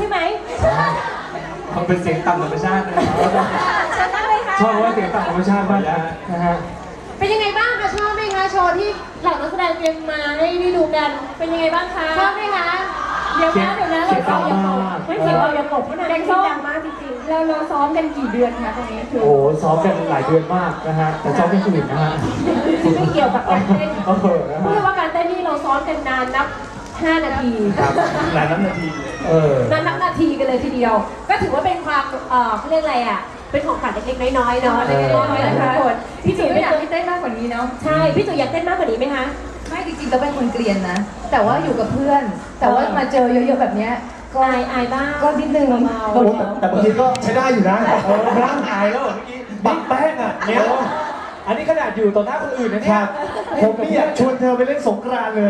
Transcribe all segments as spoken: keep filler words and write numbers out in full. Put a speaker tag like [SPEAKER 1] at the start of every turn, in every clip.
[SPEAKER 1] ช่ไหม
[SPEAKER 2] มันเป็นเสียงต่ำธรรมชาตินะชอบว่าเสียงต่ำธรรมชาติมากนะฮะ
[SPEAKER 1] เป็นยังไงบ้างคะชอบไหมคะโชว์ที่เหล่านักแสดงเตรียมมาให้ได้ดูกันเป็นยังไงบ้างคะชอบไหมคะเดี๋ยวนะเดี๋ยวนะเราซ้อมอย่าตกไม่เสียงเราอย่าตกเพราะนั้นแดงส้มดังมากจริงๆเราเราซ้อมกันกี่เดือนคะตรงนี้คือ
[SPEAKER 2] โอ้ซ้อมกันหลายเดือนมากนะฮะแต่ซ้อมไม่อื่นนะฮะ
[SPEAKER 1] ไม่เกี่ยวกับการเต้นพูดว่าการเต้นนี่เราซ้อมกันนานนับห้านาที
[SPEAKER 2] หลายนับนาทีเออน
[SPEAKER 1] านนับนาทีกันเลยทีเดียวก็ถือว่าเป็นความเอ่อเขาเรียกอะไรอ่ะเป็นของขวัญเล็กๆน้อยๆเนาะเล็กๆน้อยๆนะคะคนพี่จุ๋ยไม่อยากให้เต้นมากกว่านี้เนาะใช่พี่จุ๋ยอยากเต้นมากกว่านี้ไหมคะ
[SPEAKER 3] ไม่จริงๆเราเป็นคนเกลียนนะแต่ว่าอยู่กับเพื่อนแต่ว่ามาเจอเยอะๆแบบนี้
[SPEAKER 1] ก็อายอายบ้าง
[SPEAKER 3] ก็นิดนึง
[SPEAKER 2] เบาๆแต่บางทีก็ใช้ได้อยู่นะเออร่างอายแล้วเมื่อกี้บักแป้งอ่ะเนี่ยอันนี้ขนาดอยู่ต่อหน้าคนอื่นนะเนี่ยผมไม่อยากชวนเธอไปเล่นสงกรานต์เลย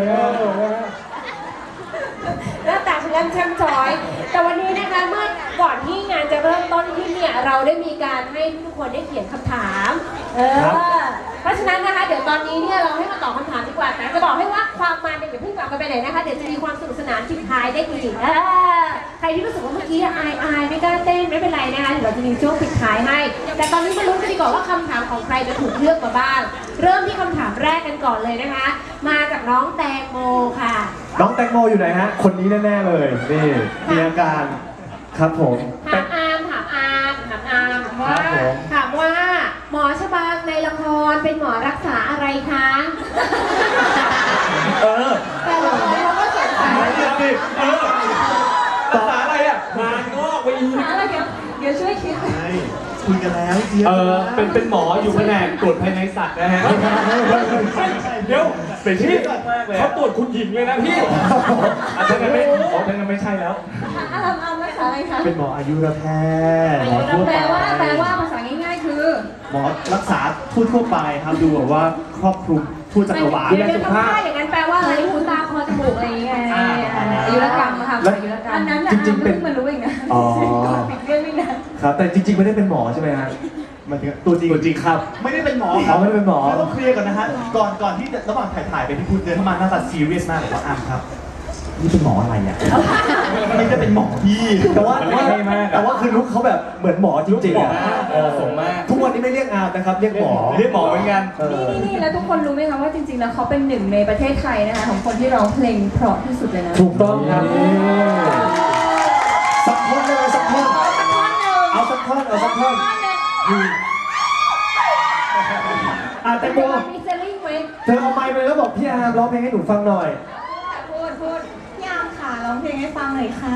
[SPEAKER 1] หน้าตาฉันเล่นแช่มช้อยแต่วันนี้นะคะเมื่อก่อนที่งานจะเริ่มต้นที่เนี่ยเราได้มีการให้ทุกคนได้เขียนคำถามเออเพราะฉะนั้นนะคะเดี๋ยวตอนนี้เนี่ยเราให้มาตอบคำถามดีกว่าแต่จะบอกให้ว่าความมันเนี่ยอย่าเพิ่งกลับกันไปไหนนะคะเดี๋ยวจะมีความสนุกสนานทิ้งท้ายได้อีกเออใครที่รู้สึกว่าเมื่อกี้อายอายไม่กล้าเต้นไม่เป็นไรนะคะเดี๋ยวเราจะมีช่วงปิดท้ายให้แต่ตอนนี้มาลุ้นกันดีกว่าว่าคำถามของใครจะถูกเลือกมาบ้างเริ่มที่คำถามแรกกันก่อนเลยนะคะ มาจากน้องแตงโมค่ะ
[SPEAKER 2] น้องแตงโมอยู่ไหนฮะคนนี้แน่ๆเลยนี่มีอาการครับผม
[SPEAKER 1] ถามอามถามอามถามอามว่าถามว่าหมอชบาในละครเป็นหมอรักษาอะไรคะ
[SPEAKER 2] เออ
[SPEAKER 1] แต่ละครเขาก็สงสัย
[SPEAKER 2] เออรักษาอะไรอ่ะงานงอกไปอีก
[SPEAKER 1] อะไรเดี๋ยวเดี๋ยวช่วยคิด
[SPEAKER 2] คุยกันแล้วเจี๊ยบเออเป็นเป็นหมออยู่แผนกตรวจภายในสัตว์นะฮะเดี๋ยวเป็นที่เขาตรวจคุณหญิงเลยนะพี่อาจจะไม่เขาจะไม่ใช่แล้ว
[SPEAKER 1] อามอามรักษาอะไรคะ
[SPEAKER 2] เป็นหมออายุรแพทย์
[SPEAKER 1] แปลว่าแปลว่าภาษาง่ายๆคือ
[SPEAKER 2] หมอรักษาทั่วทั่วไปครับดูแบบว่าครอบคลุมทั่วจักรวาล
[SPEAKER 1] ดูแลสุขภาพอย่างนั้นแปลว่าอะไรหูตาคอจมูกอะไรอย่างเงี้ยอายุรกรรมค่ะอายุรกรรมอันนั้นจริงๆเป็นมันรู้เองนะอ๋อปิดเรื่องไม่นาน
[SPEAKER 2] ครับแต่จริงๆไม่ได้เป็นหมอใช่ไหมฮะมันตัวจริงตัวจริงครับ
[SPEAKER 4] ไม่ได้เป็นหมอครับ
[SPEAKER 2] ไม่ได้เป็นหมอ
[SPEAKER 4] ต้องเคลียร์ก่อนนะฮะก่อนก่อนที่ระหว่างถ่ายถ่ายไปพี่พูดเดินเข้ามาหน้าตาซีเรียสมากเลยว่าอ้ำครับนี่เป็นหมออะไรอ่ะไม่ได้เป็นหมอพี่
[SPEAKER 2] แต่ว่าแต่ว่าคือลุคเขาแบบเหมือนหมอจริงๆอ่ะสมมากทุกวันนี้ไม่เรียกอาร์มนะครับเรียกหมอเรียกหมอเหมือนกัน
[SPEAKER 3] นี่นี่นี่แล้วทุกคนรู้ไหมคะว่าจริงๆแล้วเขาเป็นหนึ่งในประเทศไทยนะคะของคนที่ร้องเพลงเพราะที่สุดเลยนะ
[SPEAKER 2] ถูกต้องครับสักท่อนเลยสักท่อนเอาสักท่อนเอาสักท่อนอ่ะแตงโม
[SPEAKER 1] มีเซลลิ่งไหม
[SPEAKER 2] เธอเอาไมค์ไปแล้วบอกพี่อาร์มร้องเพลงให้หนูฟังหน่อย
[SPEAKER 1] พูดพูด
[SPEAKER 3] พี่อาร์มค่ะร้องเพลงให้ฟังหน่อยค่ะ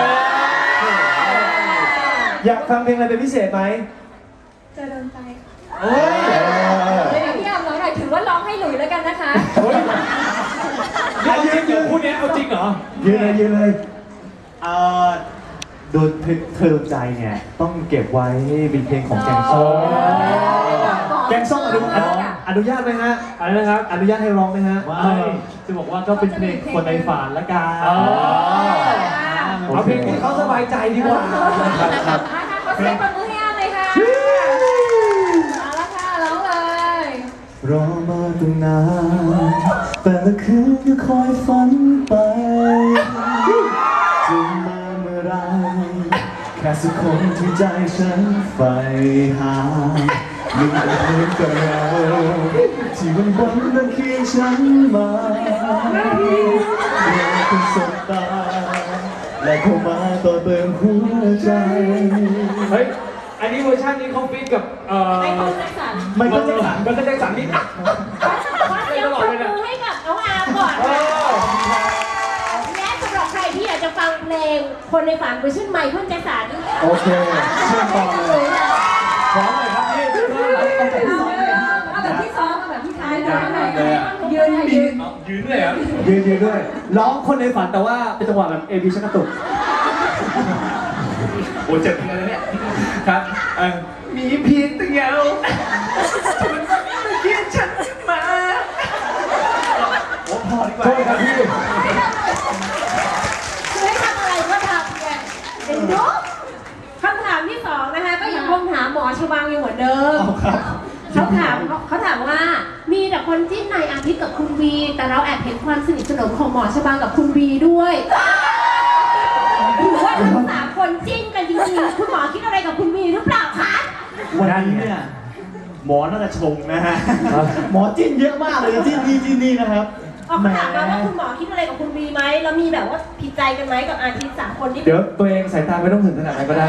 [SPEAKER 2] อยากฟังเพลงอะไรเป็นพิเศษไหม
[SPEAKER 3] จะโดนใจ
[SPEAKER 2] เฮ้ย
[SPEAKER 1] เดี๋ยวพี่อาร์มร้องหน่อยถือว่าร้องให้หลุยแล้วกันนะคะ
[SPEAKER 2] เอายืนยืนคู่นี้เอาจริงเหรอยืนเลยยืนเลยเอ่อโดนเธอใจเนี่ยต้องเก็บไว้เป็นเพลงของแกงส้มแกงส้มอนุอนุญาตไหมฮะอะไรนะครับอนุญาตให้ร้องไหมฮะไม่จะบอกว่าก็เป็นเพลงคนในฝันละกันเอาเพลงที่เขาสบายใจดีกว่า
[SPEAKER 1] ครับเขาเซ็ตปมือให้อาร์มเลยค่ะมาแล้วค่ะร้องเลย
[SPEAKER 2] รอมาตั้งนานแต่ละคืนก็คอยฝันไปจะมาเมื่อไรแค่สักคนที่ใจฉันใฝ่หายิ่งเป็นเพื่อนกับเราที่วันวันนั้นเคียงฉันมาเราเป็นสบตาและเข้ามาต่อเติมหัวใจเฮ้ยอันนี้เวอร์ชันนี้เขาฟีดกับเอ่อไมเคิลแจ็คสันไมเคิลแจ็คสันไมเคิลแจ็คสันนี่ข
[SPEAKER 1] อเสียงปรบมือให้กับน้องอาร์มก่อนและสำหรับใครที่อยากจะฟังเพลงคนในฝันเวอร์ชันไมเคิลแจ็คสัน
[SPEAKER 2] โอเคเชิญต่อเลยพร้อมเลยครับพี่
[SPEAKER 1] เอาแบบที่ซ้อมเอาแบบที่ท้ายเลยยืนยืน
[SPEAKER 2] ยืนเลยครับยืนยืนด้วยร้องคนในฝันแต่ว่าเป็นจังหวะแบบเอวีชักกระตุกโอ้เจ็บจริงเลยเนี่ยครับมีเพียงแต่เงาคุณไม่คิดฉันมาโอ้พอดีกว่าโทษครับพี่
[SPEAKER 1] คือให้ทำอะไรก็ทำไงเห็นดูคำถามที่สองนะคะก็ยังคงถามหมอชบางอยู่เหมือนเดิมเขาถามเขาถามว่ามีแต่คนจิ้นนายอาทิตย์กับคุณวีแต่เราแอบเห็นความสนิทสนมของหมอชบางกับคุณวีด้วยหรือว่าว่าทั้งสามคนจิ้นกันจริงๆคุณหมอคิดอะไรกับคุณวีหรือเปล่าคะ
[SPEAKER 4] วันนี้เนี่ยหมอน่าจะชงนะฮะหมอจิ้นเยอะมากเลยจิ้นนี่จิ้นนี่นะครับ
[SPEAKER 1] ออกมาถามมาว่าคุณหมอคิดอะไรกับคุณวีไหมแล้วมีแบบว่าผิดใจกันไหมกับอาทิตย์สามคนที่
[SPEAKER 2] เดี๋ยวตัวเองสายตาไม่ต้องถึงขนาดนั้นก็ได้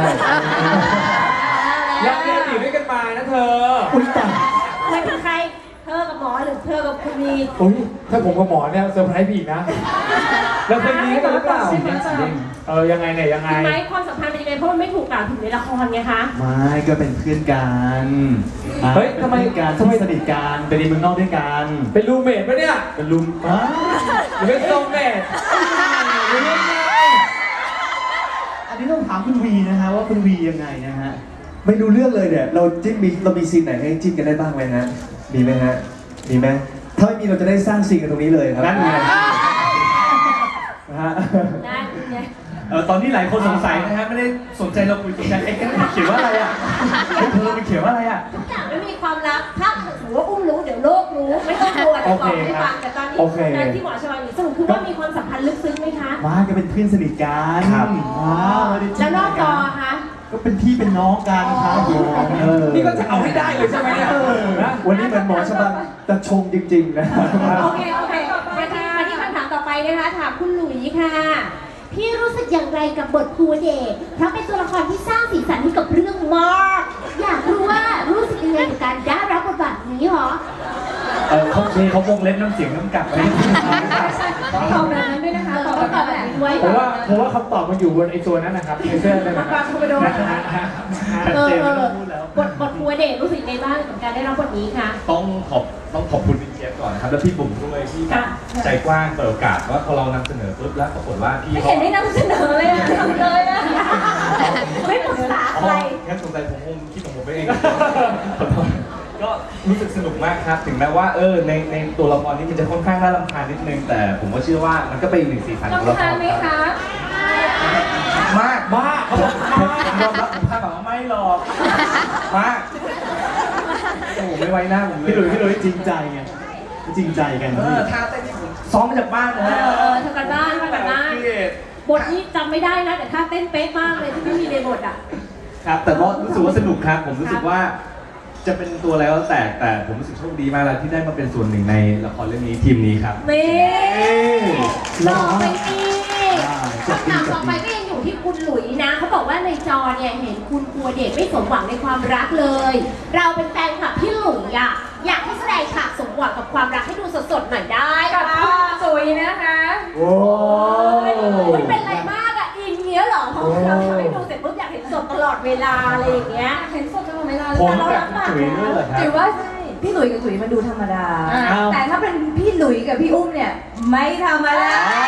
[SPEAKER 5] ยังเรียนอยู่ด้วยกันมานะเธอ
[SPEAKER 2] อุ้ยตาย
[SPEAKER 1] ไม่เป็นใครเธอกับหมอหรือเธอกับคุณวี
[SPEAKER 5] อุ้ยถ้าผมกับหมอเนี่ยเซอร์ไพรส์พี่อีกนะ แล้วเคยมีกันหรือเปล่า
[SPEAKER 2] จริงจริง
[SPEAKER 5] เออยังไงเนี่ยยังไง
[SPEAKER 1] จริงไหมความสัมพันธ์เป็นยังไงเพราะมันไม่ถูกกล่าวถึงในละครไงคะ
[SPEAKER 4] ไม่ก็เป็นเพื่อนกัน
[SPEAKER 5] เฮ้ยทำไม
[SPEAKER 4] เป็นการ
[SPEAKER 5] ทำไม
[SPEAKER 4] ที่สนิทกันไปเรียนเมืองนอกด้วยกัน
[SPEAKER 5] เป็นรูเมทปะเนี่ย
[SPEAKER 4] เป็นลุมอ้า
[SPEAKER 5] หรือเป็นโซเมทหรือยังไง
[SPEAKER 4] อันนี้ต้องถามคุณวีนะฮะว่าคุณวียังไงนะฮะ
[SPEAKER 2] ไม่ดูเรื่องเลยเนี่ยเราจิ้นมีเรามีซีนไหนให้จิ้นกันได้บ้างไหมฮะมีไหมฮะมีไหมถ้าไม่มีเราจะได้สร้างซีนกันตรงนี้เลยครับ
[SPEAKER 4] นั่นไง
[SPEAKER 2] นะฮะ
[SPEAKER 1] นะไง
[SPEAKER 4] เออตอนนี้หลายคนสงสัยนะฮะไม่ได้สนใจเราคุยกันเอ๊ะเขียนว่าอะไรอ่ะเฮ้ยเธอมันเขียนว่าอะไรอ่ะ
[SPEAKER 1] ทุกอย่างไม่มีความลับถ้าถือว่าอุ้มรู้เดี๋ยวโลกรู้ไม่ต้องกลัวเดี๋ยวบอกให้ฟังแต่ตอนนี้
[SPEAKER 2] โอเค
[SPEAKER 1] การที่หมอชวาอยู่สรุปคือว่ามีความสัมพันธ์ลึกซึ้งไหมคะ
[SPEAKER 4] มาก็เป็นเพื่อนสนิทกัน
[SPEAKER 2] ครับ
[SPEAKER 4] ว้าวไม่ได้จิ้
[SPEAKER 1] แล้วนอกจอ
[SPEAKER 4] กั
[SPEAKER 1] คะ
[SPEAKER 4] ก็เป็นพี่เป็นน้องกันครับผม
[SPEAKER 2] เออ
[SPEAKER 5] นี่ก็จะเอาให้ได้เลยใช่ไหมเนี่ยนะ
[SPEAKER 2] วันนี้เหมือนหมอชบังจะชงจริงๆนะ
[SPEAKER 1] โอเคโอเคมาที่มาที่คำถามต่อไปนะคะถามคุณหลุยส์ค่ะ พี่รู้สึกอย่างไรกับบทครูเดชเพราะเป็นตัวละครที่สร้างสีสันให้กับเรื่องมากอยากรู้ว่ารู้สึกยังไงกับการได้รับบทบาทนี้หรอ
[SPEAKER 4] เออเขาเคเขาวงเล็บน้ำเสียงน้ำกัดไว้
[SPEAKER 3] ตอบแบบนั้นด้วยนะคะตอบแบบนั้นแหละ
[SPEAKER 1] ด้วย
[SPEAKER 5] ผมว่าผมว่าคำตอบมันอยู่บนไอ้ตัวนั้นนะครับในเสื้อนั่นนะค
[SPEAKER 1] ปา
[SPEAKER 5] รับ
[SPEAKER 1] กคาโด
[SPEAKER 4] ชัด
[SPEAKER 1] เออ
[SPEAKER 4] เจน
[SPEAKER 1] เอ
[SPEAKER 4] ไม่ต้
[SPEAKER 1] อ
[SPEAKER 4] องพูดแล้ว
[SPEAKER 1] บทบทครูเดชรู้สึกยังไงบ้างกับการได้รับบทนี้คะ
[SPEAKER 6] ต้องขอบต้องขอบคุณพี่เจี๊ยบก่อนนะครับแล้วพี่บุ๋มด้วยที่แบบ
[SPEAKER 1] ค่ะ
[SPEAKER 6] ใจกว้างเปิดโอกาสว่าพอเรานำเสนอปุ๊บแล้วปรากฏว่าพี่
[SPEAKER 1] ไม่
[SPEAKER 6] เขา
[SPEAKER 1] เห็นได้นำเสนอเลยอะทำเลยอะไม่ปรึกษา
[SPEAKER 6] อ๋
[SPEAKER 1] ใค
[SPEAKER 6] อ
[SPEAKER 1] ร
[SPEAKER 6] งั้นสงสัยผมคงคิดของผมไปเอง ก็รู้สึกสนุกมากครับ ถึงแม้ว่าเออในในตัวละครนี้มันจะค่อนข้างน่ารำคาญนิดนึงแต่ผมก็เชื่อว่ามันก็เป็นอีกหนึ่งสีสันของละค
[SPEAKER 3] รำคาญ
[SPEAKER 6] ร
[SPEAKER 3] ไหม
[SPEAKER 6] ครับ
[SPEAKER 3] คะ
[SPEAKER 6] มากมากเขาบอกมากผมยอมรับผมคาดหวังว่าไม่หรอกมากโอ้โหไม่ไว้หน้าผมเลย
[SPEAKER 4] พี่หลุยพี่หลุยจริงใจไงจริงใจกัน
[SPEAKER 6] เออท่าเต้นที่ผมซ้อมมาจากบ้านนะ
[SPEAKER 1] เอ
[SPEAKER 6] ฮะ
[SPEAKER 1] อเออทำกันบ้านทำกันบ้าน
[SPEAKER 6] พี่เอก
[SPEAKER 1] บทนี้จำไม่ได้นะแต่ท่าเต้นเป๊ะมากเลยที่ไม่มีในบทอ่ะ
[SPEAKER 6] ครับ แต่ก็รู้สึกว่าสนุกครับ ผมรู้สึกว่าจะเป็นตัวอะไรก็แล้วแต่แต่ผมรู้สึกโชคดีมากเลยที่ได้มาเป็นส่วนหนึ่งในละครเรื่องนี้ทีมนี้ครับ
[SPEAKER 1] นี่ต่อไปนี่
[SPEAKER 2] จบดี
[SPEAKER 1] คำถาม
[SPEAKER 2] จ
[SPEAKER 1] ต่อบ ไป
[SPEAKER 2] ดี
[SPEAKER 1] ก็ยังอยู่ที่คุณหลุยนะเขาบอกว่าในจอเนี่ยเห็นคุณกลัวเด็กไม่สมหวังในความรักเลย เราเป็นแฟนคลับพี่หลุยอะอยากให้แสดงฉากสมหวังกับความรักให้ดูสดๆหน่อยได้
[SPEAKER 3] กับ
[SPEAKER 1] ปะ
[SPEAKER 3] คุณจุ๋ยนะคะ
[SPEAKER 2] โอ้
[SPEAKER 1] ไม่เป็นไรมากอะอินเงี้ยเหรอเพราะเราทำให้ดูเสร็จปุ๊บอยากเห็นสดตลอดเวลาอะไรอย่างเงี้ย
[SPEAKER 3] เห็นสดตลอดเวลาเล
[SPEAKER 6] ผม
[SPEAKER 3] ย
[SPEAKER 6] กับคุณจุ๋ยด้วยเหรอครับ
[SPEAKER 7] จุ๋ยว่าพี่หลุยกับจุ๋ยมันดูธรรมดา
[SPEAKER 3] อ่า
[SPEAKER 7] แต่ถ้าเป็นพี่หลุยกับพี่อุ้มเนี่ย ไม่ธรรมดา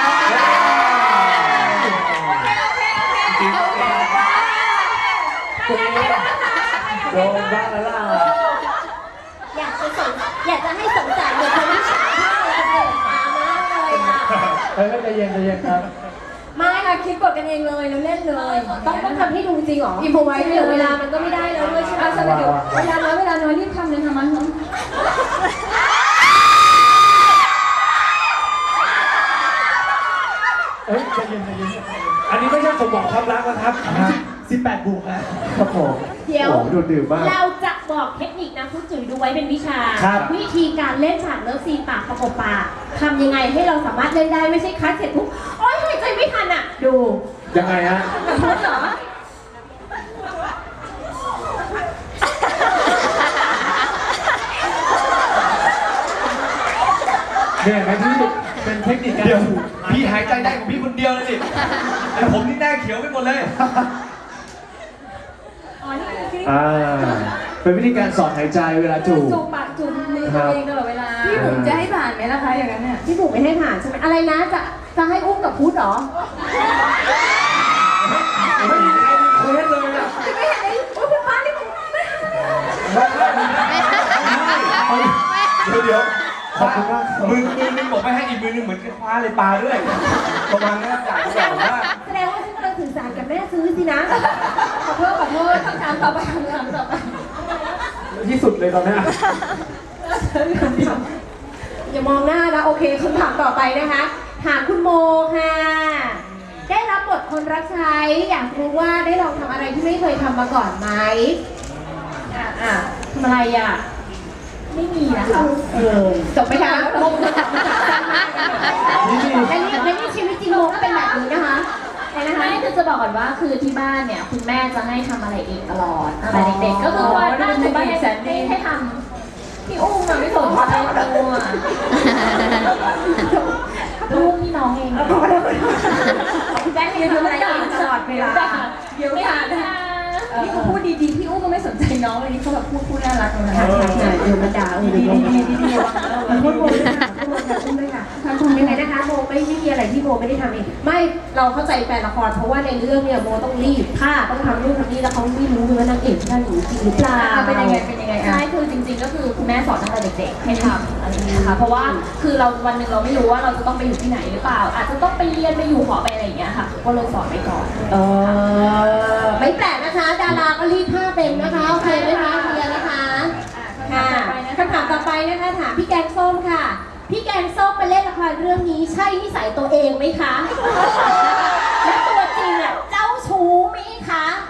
[SPEAKER 5] โดนบ้างแล้วล่ะ
[SPEAKER 1] อยากจะสงอยากจะให้สงสารเด็กคนนี้ฉากมากเลยเด็กตามากเลยอะ
[SPEAKER 5] เฮ้ยใจเย็นใจเย็นครับ
[SPEAKER 1] ไม่ค่ะคิดกดกันเองเลยแล้วเล่นเลย ต้องต้องทำให้ดูจริงเหรออิมพอไว้เหลือเวลามันก็ไม่ได้แล้วด้วยใช่ไหม
[SPEAKER 3] เอาสมัยเดี๋ยวเวลาน้อยเวลาน้อยรีบทำเลยค่ะมัน
[SPEAKER 5] เฮ้ยใจเย็นใจเย็นอันนี้ไม่ใช่สมหวังความรักนะครับ
[SPEAKER 4] สิบแปดบวกแล้ว
[SPEAKER 2] ครับผม
[SPEAKER 1] เดี๋ยว
[SPEAKER 2] โอ้ดูดื่มมาก
[SPEAKER 1] เราจะบอกเทคนิคนะคุณจุ๋ยดูไว้เป็นวิชา
[SPEAKER 2] ครับ
[SPEAKER 1] วิธีการเล่นฉากเลิฟซีนปากประกบปากทำยังไงให้เราสามารถเล่นได้ไม่ใช่คัดเสร็จปุ๊บโอ๊ยหายใจไม่ทันอ่ะ ดู
[SPEAKER 2] ยังไงฮะ
[SPEAKER 1] พูดเหรอ
[SPEAKER 5] เนี่ยไหมที่
[SPEAKER 4] เป็นเทคนิคการ
[SPEAKER 6] เดี๋ยว
[SPEAKER 4] ถูก
[SPEAKER 6] พี่หายใจได้ของพี่คนเดียวเลยดิไอผมนี่หน้าเขียวไปหมดเลย
[SPEAKER 1] อ๋อนี่คือ
[SPEAKER 2] อ่า เป็นวิธีการสอนหายใจเวลาจูบ
[SPEAKER 3] จูบปากจูบมือตัวเองตลอดเวลา
[SPEAKER 7] พี่บุ๋มจะให้ผ่านไหมล่ะคะอย่างนั้นเนี่ย
[SPEAKER 1] พี่บุ๋มไม่ให้ผ่านใช่ไหมอะไรนะจะจะให้อุ้มกับพุทธเหรอ
[SPEAKER 5] ไม่มีใครมีเควสเลยอ่ะ
[SPEAKER 1] ไม่เห็นไอ้โอ๊ยคุณฟ้านี่คุณไม่ให้
[SPEAKER 6] เดี๋ยวเดี๋ยว
[SPEAKER 2] ขอบคุณมากครับ
[SPEAKER 6] มือมือนึงบอกไม่ให้อีกมือนึงเหมือนคว้าเลยปลาด้วยประมาณนั้นอยาก
[SPEAKER 1] แส
[SPEAKER 6] จะ
[SPEAKER 1] ด
[SPEAKER 6] บ
[SPEAKER 1] ง
[SPEAKER 6] อก
[SPEAKER 1] ว่า
[SPEAKER 6] ว่า
[SPEAKER 1] แสดงว่าฉันกำลังสื่อสารกับแม่ซื้อสินะ
[SPEAKER 3] ขอโทษขอโทษคำถามต่อไปคำถามต่อไป
[SPEAKER 5] ที่สุดเลยตอนเนี้ย
[SPEAKER 1] อย่ามองหน้านะโอเคคำถามต่อไปนะคะถามคุณโมค่ะได้รับบทคนรับใช้อยากรู้ว่าได้ลองทำอะไรที่ไม่เคยทำมาก่อนไหมอ่ะอ่ะทำอะไรอ่ะ
[SPEAKER 3] ไม่มีนะคะ
[SPEAKER 1] เออจบไหมคะโมจะจับมาจับสั้นมากและนี่และนี่ชีวิตจริงโมก็เป็นแบบนี้นะคะใช่นะคะ
[SPEAKER 3] ไม่คือจะบอกก่อนว่าคือที่บ้านเนี่ยคุณแม่จะให้ทำอะไรเองตลอดแต่เด็กๆก็คือว่าบ้านคุณบ้านให้ให้ให้ทำพี่อุ้มอะไม่สนใจตัวพี่อุ้มพี่น้องเองได้ให้ทำอะไรเองตลอดเวลาเดี๋ยวไม่หาพี่อุ้มพูดดีๆพี่อุ้มก็ไม่สนใจน้องเลยนี่เขาแบบพูดพูดน่ารักเลยนะคะ
[SPEAKER 1] เดี๋ยวมาด่าเออ
[SPEAKER 3] ดี
[SPEAKER 1] เดี๋ยว
[SPEAKER 3] ดีดีดี
[SPEAKER 1] พูดโมด้วยค่ะพูดโมค่ะพูดด้วยค่ะทำยังไงนะคะโมไม่ไม่มีอะไรที่โมไม่ได้ทำเองไม่เราเข้าใจแฟนละครเพราะว่าในเรื่องเนี่ยโมต้องรีบผ้าต้องทำนู่นทำนี่แล้วเขาไม่รู้เลยว่านางเอกนั่นหรือจริงหรือเปล่า
[SPEAKER 3] เป็นยังไงเป็นยังไงใช่คือจริงๆก็คือคุณแม่สอนตั้งแต่เด็กๆให้ทำอะไรอย่างเงี้ยค่ะเพราะว่าคือเราวันหนึ่งเราไม่รู้ว่าเราจะต้องไปอยู่ที่ไหนหรือเปล่า อาจจะต้องไปเรียนไปอยู่หอไปอะไรอย่างเงี้ยค่ะก็เลยสอนไปก่อน
[SPEAKER 1] เออไม่แปลกนะคะ ดาราก็รีดผ้าเป็นนะคะโอเคไหมคะเคลียร์นะคะค่ะคำถามต่อไปนะคะถามพี่แกงส้มค่ะ พี่แกงส้มมาเล่นละครเรื่องนี้ใช่นิสัยตัวเองไหมคะและตัวจริงอ่ะเจ้าชู้ไหมคะ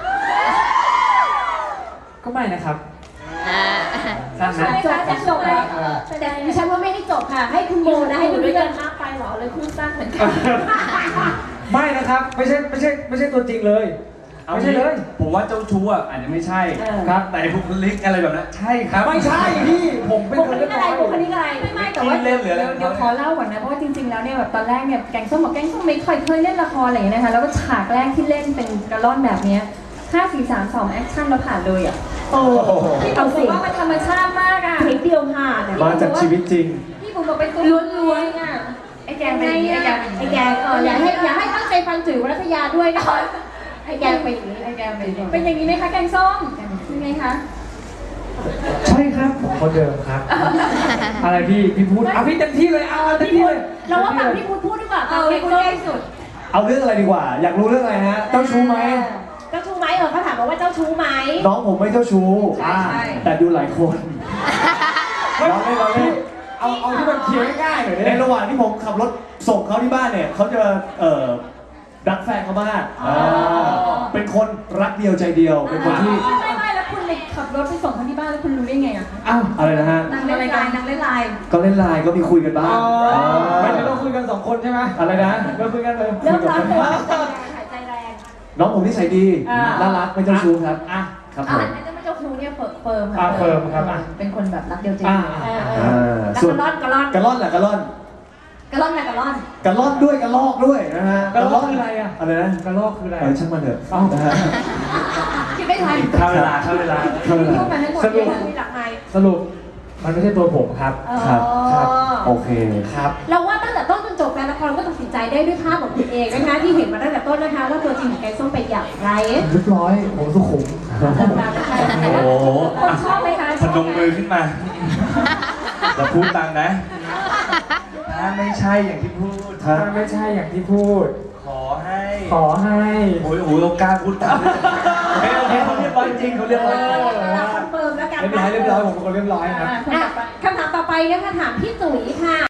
[SPEAKER 5] ก็ไม่นะครับสั้น
[SPEAKER 3] ใช่
[SPEAKER 5] นะ
[SPEAKER 3] ค่ะจะจบแล้ว
[SPEAKER 1] แต่ดิฉันว่าไม่ได้จบค่ะ ให้คุณโมนะ
[SPEAKER 3] ให้
[SPEAKER 1] ให้
[SPEAKER 3] อ
[SPEAKER 1] คุ
[SPEAKER 3] ยู่
[SPEAKER 1] ณ
[SPEAKER 3] ด้วย
[SPEAKER 1] เพื่
[SPEAKER 3] กั
[SPEAKER 1] อน
[SPEAKER 3] นมากไปเหรอเลยพูดสั้นเหมือนกัน
[SPEAKER 5] ไม่นะครับไม่ใช่ไม่ใช่ไม่ใช่ตัวจริงเลย
[SPEAKER 6] เอา
[SPEAKER 5] ไม่
[SPEAKER 6] งี้
[SPEAKER 5] ใช่เลย
[SPEAKER 6] ผมว่าเจ้าชู้อ่ะอาจจะไม่ใช่
[SPEAKER 5] ครับ
[SPEAKER 6] แต่บุคลิกอะไรแบบนั้นใช่ครับ
[SPEAKER 5] ไม่ใช่พี่ผมเป็น
[SPEAKER 1] บุ
[SPEAKER 5] ค
[SPEAKER 1] คน ลิ
[SPEAKER 5] เรี
[SPEAKER 1] ก
[SPEAKER 5] ยบ
[SPEAKER 1] อะไร
[SPEAKER 5] ร้อย
[SPEAKER 1] บุคลิกอะไร
[SPEAKER 3] ไม่ไม่แต่ว่า
[SPEAKER 6] เล่นหรืออะไร
[SPEAKER 3] เดี๋ยวขอเล่าก่อนนะเพราะว่าจริงๆแล้วเนี่ยแบบตอนแรกเนี่ยแกงส้มบอกแกงส้มไม่ค่อยเคยเล่นละครอะไรอย่างเงี้ยนะคะแล้วก็ฉากแรกที่เล่นเป็นกระล่อนแบบเนี้ยห้าสี่สามสองแอคชั่นเราผ่านเลยอ่ะ
[SPEAKER 1] โอ้
[SPEAKER 3] พี่ผมบอกว่ามันธรรมชาติมากอ่ะ
[SPEAKER 1] เพลงเดียวผ่านอ่ะ
[SPEAKER 5] มาจากชีวิตจริง
[SPEAKER 3] พี่ผมบอกเป็นตัวล้วนๆอ่ะไอ้แกงเป็นอย่างนี้ไอ้แกงเป็นอย่าง
[SPEAKER 1] ไอ้
[SPEAKER 3] นี้
[SPEAKER 1] แกงเอออย่าให้อย่าให้ตั้งใจฟังจุ๋ยวรัตยาด้วยนะคะไอ้แกงไปอย่างนี้ไอ้แกงไปอย่างนี้
[SPEAKER 3] เป็นอย่างนี้ไหมคะแกงส้มเป็นไงคะ
[SPEAKER 5] ใช่ครับผมคนเดิมครับ อะไรพี่พี่พูดเอาพี่เต็มที่เลยเอาเต็ม
[SPEAKER 1] พี่
[SPEAKER 5] ที่
[SPEAKER 1] พู
[SPEAKER 5] เล
[SPEAKER 1] ด
[SPEAKER 5] ย
[SPEAKER 1] เราว่าฝั่งพี่พูดพูดดีกว่า
[SPEAKER 3] เอา
[SPEAKER 1] แก
[SPEAKER 3] ไอ้
[SPEAKER 1] ง
[SPEAKER 3] คน
[SPEAKER 1] ส้ม
[SPEAKER 3] ใกล้สุด
[SPEAKER 2] เอาเรื่องอะไรดีกว่า อยากรู้เรื่องอะไรฮะ เจ้าชู้ไหม
[SPEAKER 1] เจ้าชู้ไหมเออเขาถามมาว่าเจ้าชู้ไหม
[SPEAKER 2] น้องผมไม่เจ้าชู้
[SPEAKER 3] ใช่ใช่
[SPEAKER 2] แต่ดูหลายคนเราเล่นเราเล่น
[SPEAKER 5] เอาเอาที่มันเคลียร์ง่ายๆหน่อย
[SPEAKER 2] ใน
[SPEAKER 5] ดิ
[SPEAKER 2] ระหว่างที่ผมขับรถส่งเขาที่บ้านเนี่ยเขาจะเอ่อรักแฟนเขามากาเป็นคนรักเดียวใจเดียว เป็นคนที่
[SPEAKER 3] ไม่ไม่แล้วคุณเลยขับรถไปส่งเขาที่บ้านแล้วคุณรู้ได้ไงอ่ะ
[SPEAKER 5] อ้าว
[SPEAKER 2] อะไรนะฮะ
[SPEAKER 3] นางเล่นไลน์นางเล่นไลน์
[SPEAKER 2] ก็เล่นไลน์ก็มีคุยกันบ้าง
[SPEAKER 5] ไม่
[SPEAKER 2] า
[SPEAKER 5] ได้เราคุยกันสองคนใช่ไหม
[SPEAKER 2] อะไรนะ
[SPEAKER 5] เราคุยกันเลย
[SPEAKER 1] เริ่มร้อนตัวหายใจแรง
[SPEAKER 2] น้องผมนิสัยดี
[SPEAKER 1] อ่า
[SPEAKER 2] น่ารักไม่เจ้าชู้ครับ
[SPEAKER 5] อ่ะ
[SPEAKER 2] ครับผ
[SPEAKER 3] อ่ะ
[SPEAKER 2] ม
[SPEAKER 3] อันนั้นไม่เจ้าชู้เนี่ยเฟิร์มเฟิร์ม
[SPEAKER 5] อ่ะ
[SPEAKER 3] ค่ะ
[SPEAKER 5] เฟิร์มครับอ่ะ
[SPEAKER 3] เป็นคนแบบรักเดียวใจ
[SPEAKER 5] อ่า
[SPEAKER 3] เดียว
[SPEAKER 1] เออเอ
[SPEAKER 2] อ่า
[SPEAKER 1] อแล้ว
[SPEAKER 2] ส่ว
[SPEAKER 1] ก
[SPEAKER 2] น
[SPEAKER 1] ระล่อนกระล่อน
[SPEAKER 2] กระล่อนแหละกระล่อน
[SPEAKER 3] กระล่อนนะกระล่อน
[SPEAKER 2] กระล่อนด้วยกระลอกด้วยนะฮะ
[SPEAKER 5] กระลอกคืออะไรอ่ะ
[SPEAKER 2] อะไรนะ
[SPEAKER 5] กระลอกคืออะไร
[SPEAKER 2] เออช่างมันเถอะ
[SPEAKER 5] เอ้า
[SPEAKER 2] นะฮะ
[SPEAKER 3] คิดไม่ทัน
[SPEAKER 6] เข้าเวลาเข้าเวลา
[SPEAKER 2] เข้าเว
[SPEAKER 3] พู
[SPEAKER 2] ลา
[SPEAKER 3] ดมาให้หมด
[SPEAKER 5] สรุ
[SPEAKER 3] เล
[SPEAKER 5] ป
[SPEAKER 3] ย
[SPEAKER 1] มีหลักไม้
[SPEAKER 5] สรุปมันไม่ใช่ตัวผมครับ
[SPEAKER 2] ครับ
[SPEAKER 5] ครับ
[SPEAKER 2] โอเค
[SPEAKER 5] ครับ
[SPEAKER 1] เราว่าตั้งแต่ต้นจนจบการละครก็ตัดสินใจได้ด้วยภาพของคุณเองนะคะที่เห็นมาตั้งแต่ต้นนะคะว่าตัวจริงของแกงส้มเป็นอย่างไร
[SPEAKER 5] เรียบร้อยผมสุขุม
[SPEAKER 6] โอ้โห
[SPEAKER 3] คนชอบไหมคะ
[SPEAKER 6] พนมมือขึ้นมาจะพูดตามนะ ถ้าไม่ใช่อย่างที่พูด
[SPEAKER 5] ถ้าไม่ใช่อย่างที่พูด
[SPEAKER 6] ขอให้
[SPEAKER 5] ขอให้
[SPEAKER 6] โอ้ยโอ้ยเรากล้าพูดตามด้วยโอเคโอเคเขาเรียบร้อยจริงเขาเรียบร้อยจริง
[SPEAKER 1] คอนเฟิร์มแล้วกัน
[SPEAKER 5] เรียบร้อยเรียบร้อยผมเป็นคนเรียบร้อยครับ
[SPEAKER 1] อ่ะคำถามต่อไปนะคะถามพี่จุ๋ยค่ะ